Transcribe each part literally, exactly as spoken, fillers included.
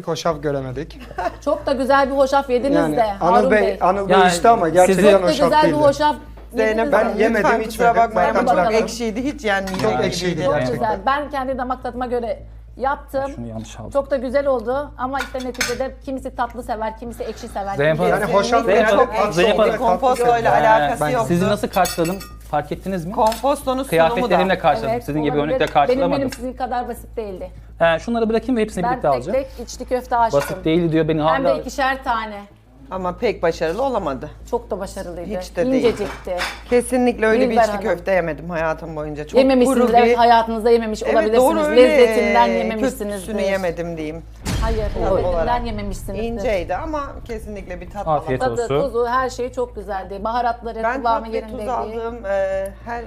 hoşaf göremedik. Çok da güzel bir hoşaf yediniz Yani de Anıl Harun Bey, Bey. Anıl Bey Yani işte ama siz- gerçekten Çok da hoşaf güzel bir değildi. hoşaf Zeynep yediniz ben de. yemedim, lütfen hiç kusura yemedim. bakmayın Bakın ama çok bakalım. ekşiydi, hiç yenmeyecek Çok gibiydi. ekşiydi. Çok Gerçekten. güzel. Ben kendi damak tadıma göre yaptım. Şunu yanlış aldım. Çok da güzel oldu ama işte neticede kimisi tatlı sever, kimisi ekşi sever. Zeynep kimisi- Hanım. Yani hoşaf Kesinlikle yani çok tatlı Zeynep olarak Hanım, tatlı kompostoyla seviyorum. alakası Ben yoktu. sizi nasıl karşıladım fark ettiniz mi? Kompostonun sunumu da. Kıyafetlerimle karşıladım. Evet, Sizin gibi olabilir. örnekle Benim karşılamadım. benim sizin kadar basit değildi. He, şunları bırakayım ve hepsini Ben birlikte tek alacağım. tek içli köfte açtım. Basit değil diyor beni Hem de hala. ikişer tane. Ama pek başarılı olamadı. Çok da başarılıydı. Hiç de değil. İncecikti. Kesinlikle öyle bir Dilber içli Hanım. köfte yemedim hayatım boyunca. Çok Yememişsiniz, kuru bir... evet hayatınızda yememiş Evet, olabilirsiniz. doğru öyle. Lezzetinden e, yememişsinizdir. Kötüsünü yemedim diyeyim. Hayır, olarak. lezzetinden yememişsinizdir. İnceydi ama kesinlikle bir tat Afiyet alamadım. olsun. Tadı, tuzu, her şey çok güzeldi. Baharatları, Ben kıvamı tat ve tuz yerindeydi. aldığım e, her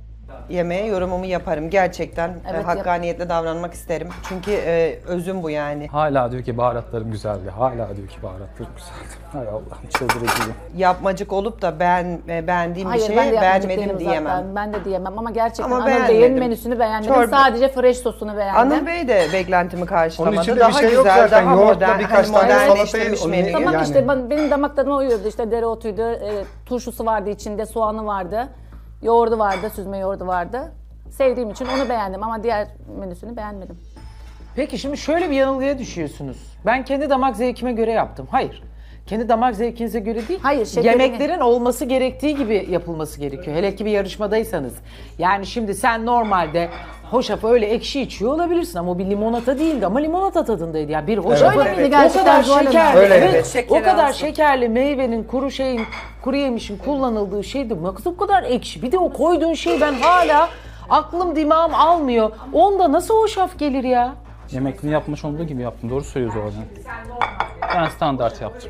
yemeğe yorumumu yaparım. Gerçekten e, Evet, hakkaniyetle davranmak isterim. Çünkü e, özüm bu yani. Hala diyor ki baharatlarım güzeldi. Hala diyor ki baharatlarım güzeldi. Hay Allah'ım çıldırıcıyım. Yapmacık olup da ben e, beğendiğim Hayır, bir ben de şeye yapmacık beğenmedim değilim diyemem. zaten. Ben de diyemem ama gerçekten Ama Anıl beğenmedim. Bey'in menüsünü beğenmedim. Çorba- Sadece fresh sosunu beğendim. Anıl Bey de beklentimi karşılamadı. Onun içinde daha bir şey yok güzel, zaten. daha Yoğurtla modern, birkaç hani tane modernleştirilmiş salatayı- menü. Tamam Yani- işte ben, benim damak tadıma uyuyordu. İşte dereotuydu, e, turşusu vardı içinde, soğanı vardı, yoğurdu vardı, süzme yoğurdu vardı. Sevdiğim için onu beğendim ama diğer menüsünü beğenmedim. Peki şimdi şöyle bir yanılgıya düşüyorsunuz. Ben kendi damak zevkime göre yaptım. Hayır. Kendi damak zevkinize göre değil. Hayır, şekerini- Yemeklerin olması gerektiği gibi yapılması gerekiyor. Hele ki bir yarışmadaysanız. Yani şimdi sen normalde hoşafı öyle ekşi içiyor olabilirsin ama o bir limonata değildi ama limonata tadındaydı. Yani bir hoşafı Öyle miydi o gerçekten kadar Zuhal Hanım? şekerli, Öyle, evet, evet. o Şekeri kadar az. şekerli meyvenin, kuru şeyin, kuru yemişin kullanıldığı şeydi. Nasıl bu kadar ekşi? Bir de o koyduğun şey ben hala aklım dimağım almıyor. Onda nasıl hoşaf gelir ya? Yemekini yapmış olduğu gibi yaptım. Doğru söylüyoruz o zaman. Ben standart yaptım.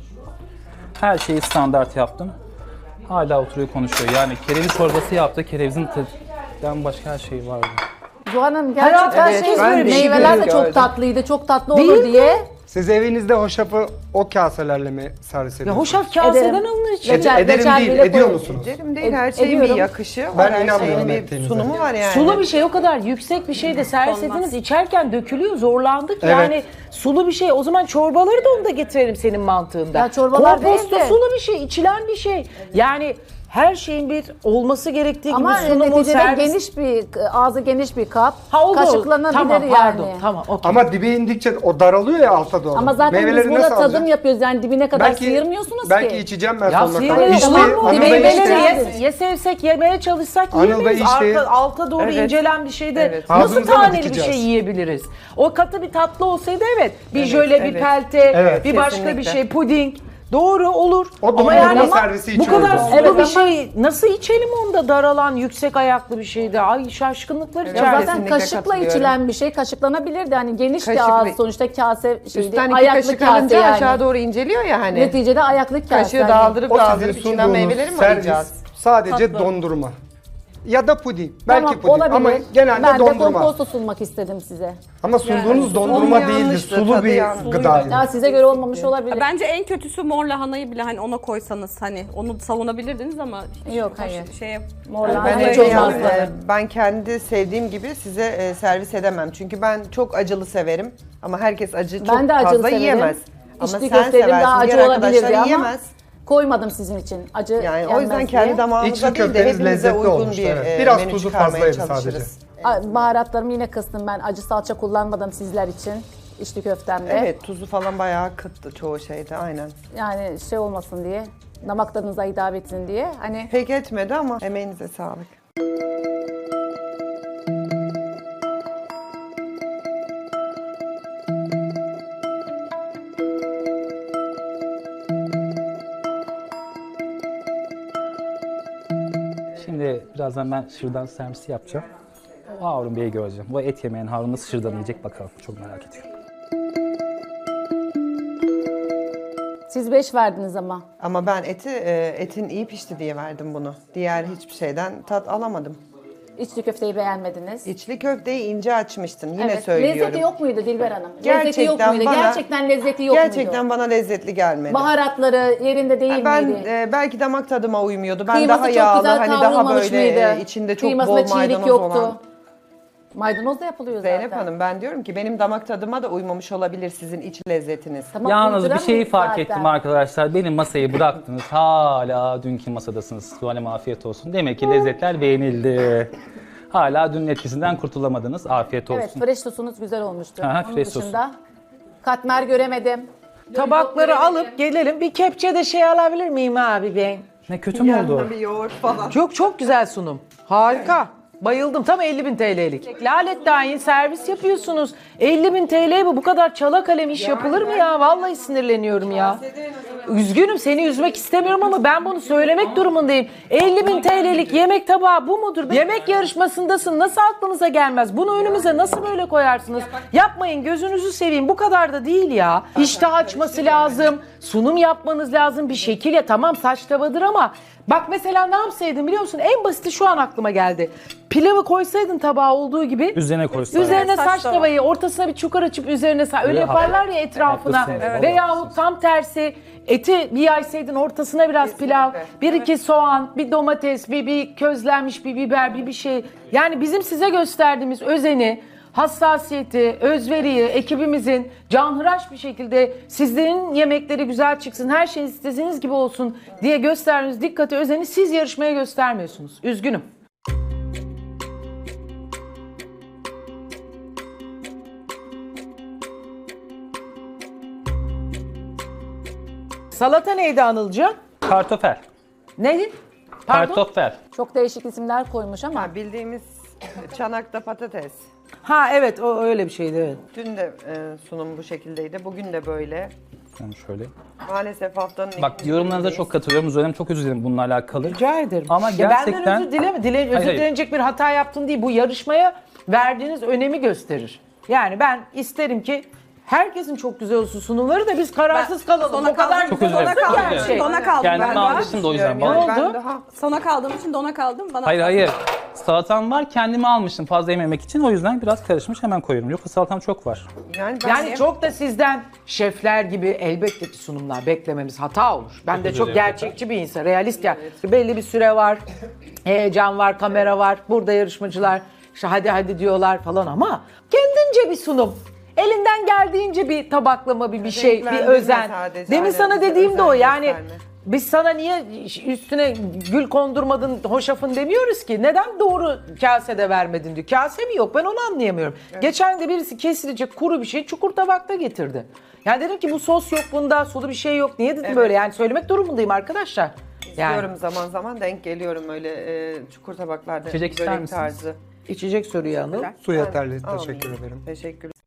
Her şeyi standart yaptım. Hala oturuyor konuşuyor. Yani kereviz çorbası yaptı. Kerevizin tadından başka her şey vardı. Zuhal Hanım gerçekten Hayatım, şey, evet, ben de meyveler de gördüm. çok tatlıydı, çok tatlı Değil olur mi? diye. Siz evinizde hoşafı o kaselerle mi servis Ya ediyorsunuz? hoşaf kaseden Ederim. alınır için. Reçel- Ederim reçel değil, bile ediyor koy- musunuz? Derim değil, Ed- her şeyin bir ediyorum. yakışı var. Ben her inanmıyorum şeyin bir ettiğinize. sunumu var yani. Sulu bir şey o kadar yüksek bir şey de servis ediniz içerken dökülüyor zorlandık Evet. yani sulu bir şey o zaman çorbaları da onu da getirelim senin mantığında. Ya çorbalar Komposto değil de- sulu bir şey içilen bir şey yani her şeyin bir olması gerektiği Ama gibi sunumu neticede servis. geniş bir, ağzı geniş bir kap. Ha, o da o. Kaşıklanabilir Tamam, yani. pardon, tamam okey. Ama dibe indikçe o daralıyor ya alta doğru. Ama zaten Meyveleri biz burada nasıl tadım alacağız? yapıyoruz yani dibine kadar Belki, sıyırmıyorsunuz belki ki. içeceğim ben Ya sonuna kadar. sıyırıyor İçti, tamam mı? Anıl Bey Meyveleri içti. ye- ya, ya sevsek yemeye çalışsak Anıl yiyemeyiz. Bey işte- Arka, alta doğru Evet. incelen bir şeyde Evet. nasıl Ağzımıza mı taneli bir dikeceğiz? şey yiyebiliriz? O katı bir tatlı olsaydı evet. Bir Evet, jöle, bir evet. pelte, Evet. bir başka bir Kesinlikle. şey, puding. Doğru olur. O Ama dondurma yani servisi bu içiyoruz kadar biz. sulu Evet, bir ama- şey nasıl içelim onda daralan yüksek ayaklı bir şeyde? Ay şaşkınlıklar Evet. Ya içerisinde. zaten Kesinlikle kaşıkla katılıyorum. içilen bir şey kaşıklanabilirdi. Hani geniş bir Kaşıkla- ağız sonuçta kase şeydi. Üstten iki Ayaklı kaşık kase alınca yani. aşağı doğru inceliyor ya hani. Neticede ayaklı kase. Kaşığı yani. daldırıp O sizin daldırıp içinden sunduğunuz meyveleri mi servis arayacağız? sadece dondurma. Ya da puding. Belki Tamam, puding olabilir. ama genelde ben de dondurma. komposto sunmak istedim size. Ama sunduğunuz dondurma sulu değildi. yanlıştı, Sulu tadı bir yanlış. gıdaydı. Ya size göre olmamış olabilir. Bence en kötüsü mor lahanayı bile hani ona koysanız hani onu savunabilirdiniz ama Yok, baş- hayır. şeye Mor Ben, lahana öyle hiç yani, olmazdı. e, ben kendi sevdiğim gibi size e, servis edemem. Çünkü ben çok acılı severim. Ama herkes acı çok Ben de acılı fazla severim. yiyemez. Ama İçli sen köftelerim seversin, daha acı diğer olabilirdi arkadaşlar ama yiyemez. koymadım sizin için. Acı Yani o yenmez yüzden diye. kendi damağımıza İçli değil de köfteniz hepimize lezzetli uygun olmuştu, bir evet. e, Biraz menü tuzu çıkarmaya fazlaydı çalışırız. A- Baharatlarımı yine kıstım ben. Acı salça kullanmadım sizler için. İçli köftemde. Evet, tuzu falan bayağı kıttı çoğu şeyde aynen. Yani şey olmasın diye. Damak tadınıza hitap etsin diye. Hani Pek etmedi ama emeğinize sağlık. Şimdi birazdan ben şırdan servisi yapacağım. O Harun Bey'i göreceğim. Bu et yemeyen Harun nasıl şırdan yiyecek bakalım. Çok merak ediyorum. siz beş verdiniz ama. Ama ben eti e, etin iyi pişti diye verdim bunu. Diğer hiçbir şeyden tat alamadım. İçli köfteyi beğenmediniz. İçli köfteyi ince açmıştın yine Evet. söylüyorum. Lezzeti yok muydu Dilber Hanım? lezzeti yok Gerçekten muydu? bana- Gerçekten lezzeti yok Gerçekten muydu? bana lezzetli gelmedi. Baharatları yerinde değil ben miydi? e, belki damak tadıma uymuyordu. Ben Kıyması daha çok yağlı güzel hani daha kavrulmamış böyle mıydı? e, içinde çok Kıymasında bol çiğlik maydanoz yoktu. olan. Maydanoz da yapılıyor zaten. Zeynep Hanım ben diyorum ki benim damak tadıma da uymamış olabilir sizin iç lezzetiniz. Tamam, Yalnız bir şeyi uyduramıyoruz fark zaten. ettim arkadaşlar. Benim masayı bıraktınız. Hala dünkü masadasınız. Zuhal'im afiyet olsun. Demek ki lezzetler beğenildi. Hala dünün etkisinden kurtulamadınız. Afiyet olsun. Evet, fresh sosunuz güzel olmuştu. Aha, Onun fresh sosu. dışında katmer göremedim. Tabakları alıp gelelim. Bir kepçe de şey alabilir miyim abi ben? Ne kötü mü oldu? Yanına bir yoğurt falan. Çok çok güzel sunum. Harika. Bayıldım. Tam elli bin T L'lik. Lalet dahin servis yapıyorsunuz. elli bin T L bu. Bu kadar çala kalem iş yapılır mı ya? Vallahi sinirleniyorum ya. Üzgünüm, seni üzmek istemiyorum ama ben bunu söylemek durumundayım. elli bin T L'lik yemek tabağı bu mudur? Yemek yarışmasındasın. Nasıl aklınıza gelmez? Bunu önümüze nasıl böyle koyarsınız? Yapmayın, gözünüzü seveyim. Bu kadar da değil ya. İştah açması lazım. Sunum yapmanız lazım. Bir şekil ya. Tamam saç tavadır ama bak mesela ne yapsaydın biliyor musun? En basiti şu an aklıma geldi. Pilavı koysaydın tabağa olduğu gibi. Üzerine koysaydın. Üzerine saç saç tava. tavayı, ortasına bir çukur açıp üzerine sa- öyle Öyle yaparlar ya etrafına. haklısın, evet. Veyahut tam tersi eti bir yaysaydın ortasına biraz pilav, bir iki soğan, bir domates, bir, bir közlenmiş bir biber, bir bir şey. Yani bizim size gösterdiğimiz özeni, hassasiyeti, özveriyi, ekibimizin canhıraş bir şekilde sizlerin yemekleri güzel çıksın, her şey istediğiniz gibi olsun diye gösterdiğiniz dikkati, özeni siz yarışmaya göstermiyorsunuz. Üzgünüm. Salata neydi Anılcığım? Kartofel. Neydi? Pardon? Kartofel. Çok değişik isimler koymuş ama. Ha, bildiğimiz çanakta patates. Ha evet o öyle bir şeydi evet. Dün de e, sunum bu şekildeydi. Bugün de böyle. Yani şöyle. Maalesef haftanın Bak ikinci yorumlarınıza günündeyiz. çok katılıyorum. Zuhal'im çok özür dilerim bununla alakalı. Rica ederim. Ama Ya gerçekten- benden özür dileme. Dile, özür hayır. dilenecek bir hata yaptın değil. Bu yarışmaya verdiğiniz önemi gösterir. Yani ben isterim ki herkesin çok güzel olsun sunumları da biz kararsız kalalım. Sona O kadar kaldım. Çok özür Sona dilerim. kaldım. Çok özür dilerim. Dona kaldım Kendime ben de. almıştım da o yüzden. Yani bana- Ne ben oldu? daha Sona kaldığım için dona kaldım. Bana Hayır hayır. Salatam var kendime almıştım fazla yememek için. O yüzden biraz karışmış hemen koyuyorum. Yoksa salatam çok var. yani, ben Yani çok da sizden şefler gibi elbette ki sunumlar beklememiz hata olur. Ben de çok ederim. gerçekçi bir insan, realist yani. Belli bir süre var, heyecan var, kamera var. Burada yarışmacılar işte hadi hadi diyorlar falan ama kendince bir sunum. Elinden geldiğince bir tabaklama, bir bir şey, bir Renklendirme özen. sadece, Demin aynen, sana bize dediğim de o özen yani. gösterme. Biz sana niye üstüne gül kondurmadın, hoşafın demiyoruz ki. Neden doğru kasede vermedin diyor. Kase mi yok ben onu anlayamıyorum. Geçen de birisi kesilecek kuru bir şey çukur tabakta getirdi. Yani dedim ki bu sos yok bunda, sulu bir şey yok. Niye dedim Evet. böyle yani söylemek durumundayım arkadaşlar. Yani Diyorum zaman zaman denk geliyorum öyle e, çukur tabaklarda. İçecek ister börek misiniz? tarzı. içecek soruyu Anıl. Su yeterli. Almayayım. Teşekkür ederim. Teşekkür